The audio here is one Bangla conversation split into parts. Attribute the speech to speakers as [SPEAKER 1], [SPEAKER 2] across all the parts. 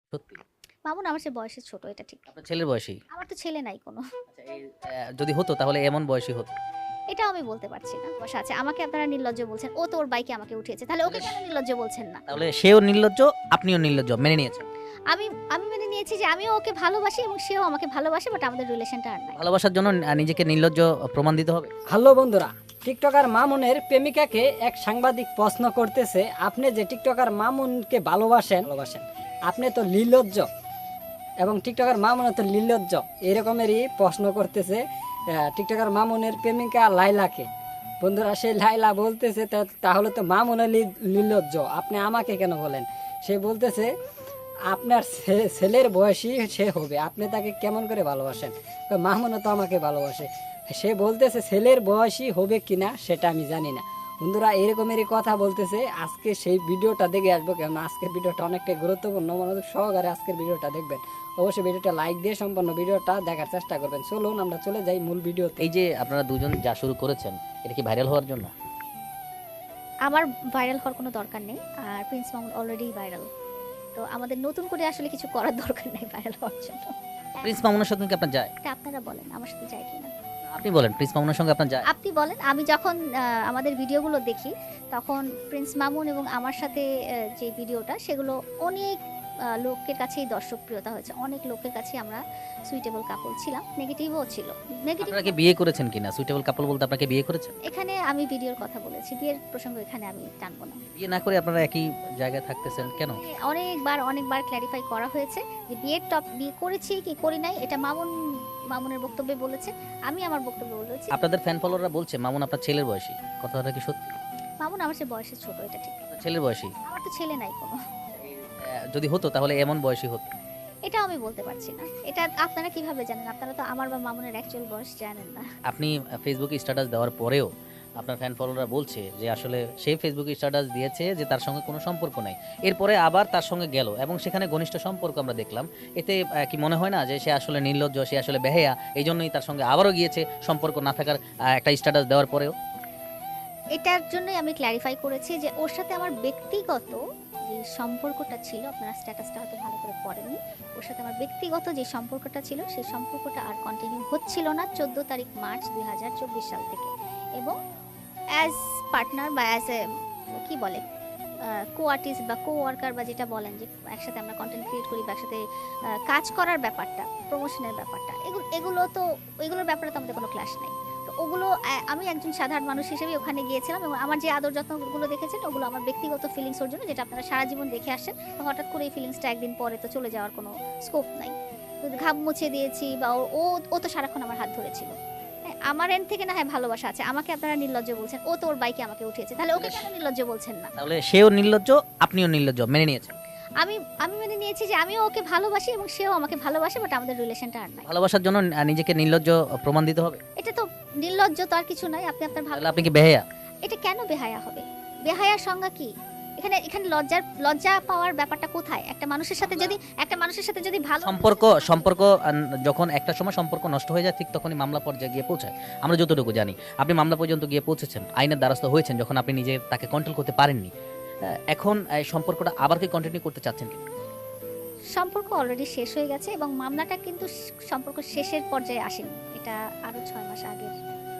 [SPEAKER 1] সত্যি?
[SPEAKER 2] মামুন আমার চেয়ে বয়সে ছোট, এটা ঠিক।
[SPEAKER 1] আপনার ছেলের বয়সী?
[SPEAKER 2] আমার তো ছেলে নাই কোনো।
[SPEAKER 1] আচ্ছা এই যদি হতো তাহলে এমন বয়সী হতো।
[SPEAKER 2] এটাও আমি বলতে পারছি না। বসা আছে। আমাকে আপনারা নির্লজ্জ বলছেন। ও তো ওর বাইকে আমাকে উঠিয়েছে। তাহলে ওকে কেন নির্লজ্জ বলছেন না?
[SPEAKER 1] তাহলে সেও নির্লজ্জ, আপনিও নির্লজ্জ মেনে নিয়েছেন।
[SPEAKER 2] আমি আমি মেনে নিয়েছি যে আমিও ওকে ভালোবাসি এবং সেও আমাকে ভালোবাসে, বাট আমাদের রিলেশনটা আর নাই।
[SPEAKER 1] ভালোবাসার জন্য নিজেকে নির্লজ্জ প্রমাণ দিতে হবে?
[SPEAKER 3] হ্যালো বন্ধুরা, টিকটকার মামুনের প্রেমিকাকে এক সাংবাদিক প্রশ্ন করতেছে, আপনি যে টিকটকার মামুনকে ভালোবাসেন আপনি তো নির্লজ্জ, এবং টিকটকার মামুনও তো নির্লজ্জ, এরকমেরই প্রশ্ন করতেছে টিকটকার মামুনের প্রেমিকা লাইলাকে। বন্ধুরা, সেই লাইলা বলতেছে তাহলে তো মামুনও নির্লজ্জ, আপনি আমাকে কেন বলেন? সে বলতেছে আপনার ছেলের বয়সী সে হবে, আপনি তাকে কেমন করে ভালোবাসেন? মামুনও তো আমাকে ভালোবাসে। সে বলতেছে ছেলের বয়সী হবে কিনা সেটা আমি জানি না। বন্ধুরা, এরকমেরই কথা বলতেছে। আজকে সেই ভিডিওটা দেখে আসবো, কেন আজকের ভিডিওটা অনেকটাই গুরুত্বপূর্ণ, মনোযোগ সহকারে আজকের ভিডিওটা দেখবেন। অবশ্যই ভিডিওটা লাইক দিয়ে সম্পূর্ণ ভিডিওটা দেখার চেষ্টা করবেন। চলুন আমরা চলে যাই মূল ভিডিওতে।
[SPEAKER 1] এই যে আপনারা দুজন যা শুরু করেছেন, এটা কি ভাইরাল হওয়ার জন্য?
[SPEAKER 2] আমার ভাইরাল হওয়ার কোনো দরকার নেই। আর প্রিন্স মামুন অলরেডি ভাইরাল। তো আমাদের নতুন করে আসলে কিছু করার দরকার নেই ভাইরাল হওয়ার জন্য।
[SPEAKER 1] প্রিন্স মামুনের সঙ্গে কি আপনার যায়?
[SPEAKER 2] এটা আপনারা বলেন, আমার সাথে যায় কিনা।
[SPEAKER 1] আপনি বলেন প্রিন্স মামুনের সঙ্গে আপনার যায়?
[SPEAKER 2] আপনি বলেন। আমি যখন আমাদের ভিডিওগুলো দেখি, তখন প্রিন্স মামুন এবং আমার সাথে যে ভিডিওটা, সেগুলো অনেক লোকের কাছেই দর্শকপ্রিয়তা হয়েছে। অনেক লোকের কাছে আমরা সুইটেবল কাপল ছিলাম, নেগেটিভও ছিল। নেগেটিভ
[SPEAKER 1] আপনারা কি বিয়ে করেছেন কিনা? সুইটেবল কাপল বলতে আপনাকে বিয়ে করেছেন?
[SPEAKER 2] এখানে আমি ভিডিওর কথা বলেছি, বিয়ের প্রসঙ্গ এখানে আমি টানবো না।
[SPEAKER 1] বিয়ে না করে আপনারা একই জায়গায় থাকতেছেন কেন?
[SPEAKER 2] অনেকবার ক্ল্যারিফাই করা হয়েছে যে বিয়ে করেছি কি করি নাই, এটা মামুনের বক্তব্যে বলেছে, আমি আমার বক্তব্যে বলেছি।
[SPEAKER 1] আপনাদের ফ্যান ফলোয়াররা বলছে মামুন আপনার ছেলের বয়সী, কথাটা কি সত্যি?
[SPEAKER 2] মামুন আমার চেয়ে বয়সে ছোট, এটা ঠিক।
[SPEAKER 1] আপনার ছেলের বয়সী?
[SPEAKER 2] আমার তো ছেলে নাই কোনো।
[SPEAKER 1] যদি হতো তাহলে এমন বয়সী হতো?
[SPEAKER 2] এটাও আমি বলতে পারছি না। এটা আপনারা কিভাবে জানেন? আপনারা তো আমার বা মামুনের অ্যাকচুয়াল বয়স জানেন না।
[SPEAKER 1] আপনি ফেসবুকে স্ট্যাটাস দেওয়ার পরেও আপনার ফ্যান ফলোয়াররা বলছে যে আসলে সে ফেসবুকে স্ট্যাটাস দিয়েছে যে তার সঙ্গে কোনো সম্পর্ক নাই, এরপরে আবার তার সঙ্গে গেল এবং সেখানে ঘনিষ্ঠ সম্পর্ক আমরা দেখলাম। এতে কি মনে হয় না যে সে আসলে নির্লজ্জ, সে আসলে বেহায়া, এই জন্যই তার সঙ্গে আবারও গিয়েছে সম্পর্ক না থাকার একটা স্ট্যাটাস দেওয়ার পরেও?
[SPEAKER 2] এটার জন্যই আমি ক্ল্যারিফাই করেছি যে ওর সাথে আমার ব্যক্তিগত যে সম্পর্কটা ছিল, আপনারা স্ট্যাটাসটা হয়তো ভালো করে পড়েননি, ওর সাথে আমার ব্যক্তিগত যে সম্পর্কটা ছিল, সেই সম্পর্কটা আর কন্টিনিউ হচ্ছিল না 14 তারিখ মার্চ 2024 সাল থেকে। এবং অ্যাজ পার্টনার বা অ্যাজ এ কি বলে কো আর্টিস্ট বা কো ওয়ার্কার বা যেটা বলেন, যে একসাথে আমরা কন্টেন্ট ক্রিয়েট করি বা একসাথে কাজ করার ব্যাপারটা, প্রমোশনের ব্যাপারটা, এগুলোর ব্যাপারে তো আমাদের কোনো ক্লাস নেই। তো ওগুলো আমি একজন সাধারণ মানুষ হিসেবে ওখানে গিয়েছিলাম, এবং আমার যে আদর যত্নগুলো দেখেছেন ওগুলো আমার ব্যক্তিগত ফিলিংস ওর জন্য, যেটা আপনারা সারা জীবন দেখে আসেন। তো হঠাৎ করে এই ফিলিংসটা একদিন পরে তো চলে যাওয়ার কোনো স্কোপ নাই। তো ঘাম মুছে দিয়েছি, বা ও তো সারাক্ষণ আমার হাত ধরেছিল। হ্যাঁ, আমার এন্ড থেকে না হয় ভালোবাসা আছে, আমাকে আপনারা নির্লজ্জ বলছেন। ও তো ওর বাইকে আমাকে উঠিয়েছে, তাহলে ওকে কেন নির্লজ্জ বলছেন না?
[SPEAKER 1] তাহলে সেও নির্লজ্জ, আপনিও নির্লজ্জ মেনে নিয়েছেন?
[SPEAKER 2] আমি আমি মেনে নিয়েছি যে আমিও ওকে ভালোবাসি এবং সেও আমাকে ভালোবাসে, বাট আমাদের রিলেশনটা আর নাই।
[SPEAKER 1] ভালোবাসার জন্য নিজেকে নির্লজ্জ প্রমাণ দিতে হবে?
[SPEAKER 2] এটা তো নির্লজ্জ তো আর কিছু নাই। আপনি আপনার ভালো,
[SPEAKER 1] তাহলে আপনি কি বেহায়া?
[SPEAKER 2] এটা কেন বেহায়া হবে? বেহায়ার সংজ্ঞা কি? এখানে লজ্জা পাওয়ার ব্যাপারটা কোথায়? একটা মানুষের সাথে যদি ভালো
[SPEAKER 1] সম্পর্ক যখন একটা সময় সম্পর্ক নষ্ট হয়ে যায়, ঠিক তখনই মামলা পর্যায়ে গিয়ে পৌঁছায়। আমরা যতটুকু জানি আপনি মামলা পর্যন্ত গিয়ে পৌঁছেছেন, আইনের দ্বারস্থ হয়েছেন, যখন আপনি নিজে তাকে কন্ট্রোল করতে পারেননি। এখন এই সম্পর্কটা আবার কি কন্টিনিউ করতে চাচ্ছেন কি?
[SPEAKER 2] সম্পর্ক অলরেডি শেষ হয়ে গেছে, এবং মামলাটা কিন্তু সম্পর্ক শেষের পর্যায়ে আসেনি। এটা আরো 6 মাস আগের।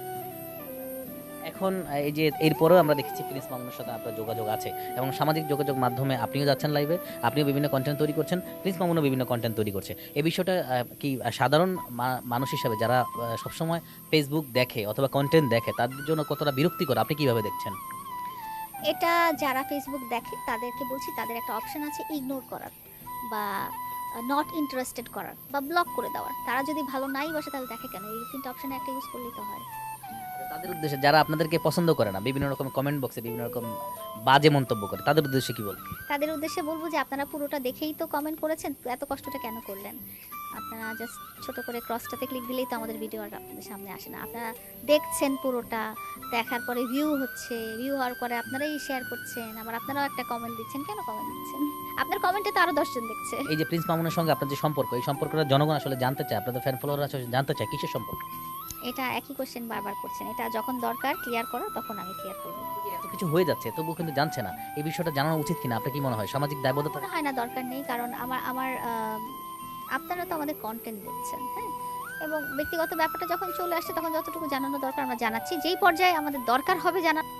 [SPEAKER 1] এখন এই যে এরপরেও আমরা দেখেছি প্রিন্স মামুনের সাথে আপনার যোগাযোগ আছে, এবং সামাজিক যোগাযোগ মাধ্যমে আপনিও যাচ্ছেন লাইভে, আপনিও বিভিন্ন কন্টেন্ট তৈরি করছেন, প্রিন্স মামুনও বিভিন্ন কন্টেন্ট তৈরি করছে। এই বিষয়টা কি সাধারণ মানুষ হিসাবে যারা সবসময় ফেসবুক দেখে অথবা কন্টেন্ট দেখে, তাদের জন্য কতটা বিরক্তিকর, আপনি কিভাবে দেখছেন?
[SPEAKER 2] এটা যারা ফেসবুক দেখে তাদেরকে বলছি, তাদের একটা অপশন আছে ইগনোর করার, বা নট ইন্টারেস্টেড করার, বা ব্লক করে দেওয়ার। তারা যদি ভালো নাই বাসে তাহলে দেখে কেন? এই তিনটা অপশনে একটা ইউজ করলেই তো হয়।
[SPEAKER 1] তাদের উদ্দেশ্যে যারা আপনাদেরকে পছন্দ করে না, বিভিন্ন রকম কমেন্ট বক্সে বিভিন্ন রকম বাজে মন্তব্য করে, তাদের উদ্দেশ্যে কি বলবেন?
[SPEAKER 2] তাদের উদ্দেশ্যে বলবো যে আপনারা পুরোটা দেখেই তো কমেন্ট করেছেন, তো এত কষ্টটা কেন করলেন? আপনারা জাস্ট ছোট করে ক্রসটাতে ক্লিক দিলেই তো আমাদের ভিডিও আর আপনাদের সামনে আসে না। আপনারা দেখছেন পুরোটা, দেখার পরে ভিউ হওয়ার পরে আপনারাই শেয়ার করছেন, আবার আপনারাও একটা কমেন্ট দিচ্ছেন। কেন কমেন্ট দিচ্ছেন? আপনার কমেন্টে তো আরো 10 জন দেখছে।
[SPEAKER 1] এই যে প্রিন্স মামুনের সঙ্গে আপনার যে সম্পর্ক, এই সম্পর্কটা জনগণ আসলে জানতে চায়, আপনাদের ফ্যান ফলোয়াররা আসলে জানতে চায় কিসের সম্পর্ক?
[SPEAKER 2] এটা একই কোশ্চেন বারবার করছেন। এটা যখন দরকার ক্লিয়ার করা তখন আমি ক্লিয়ার করব।
[SPEAKER 1] এত কিছু হয়ে যাচ্ছে তবুও কিন্তু জানছে না, এই বিষয়টা জানানো উচিত কিনা আপনার কি মনে হয়? সামাজিক দায়বদ্ধতা।
[SPEAKER 2] মনে হয় না দরকার নেই, কারণ আমার আপনারা তো আমাদের কন্টেন্ট দেখছেন, হ্যাঁ, এবং ব্যক্তিগত ব্যাপারটা যখন চলে আসছে তখন যতটুকু জানানো দরকার আমরা জানাচ্ছি। যেই পর্যায়ে আমাদের দরকার হবে জানা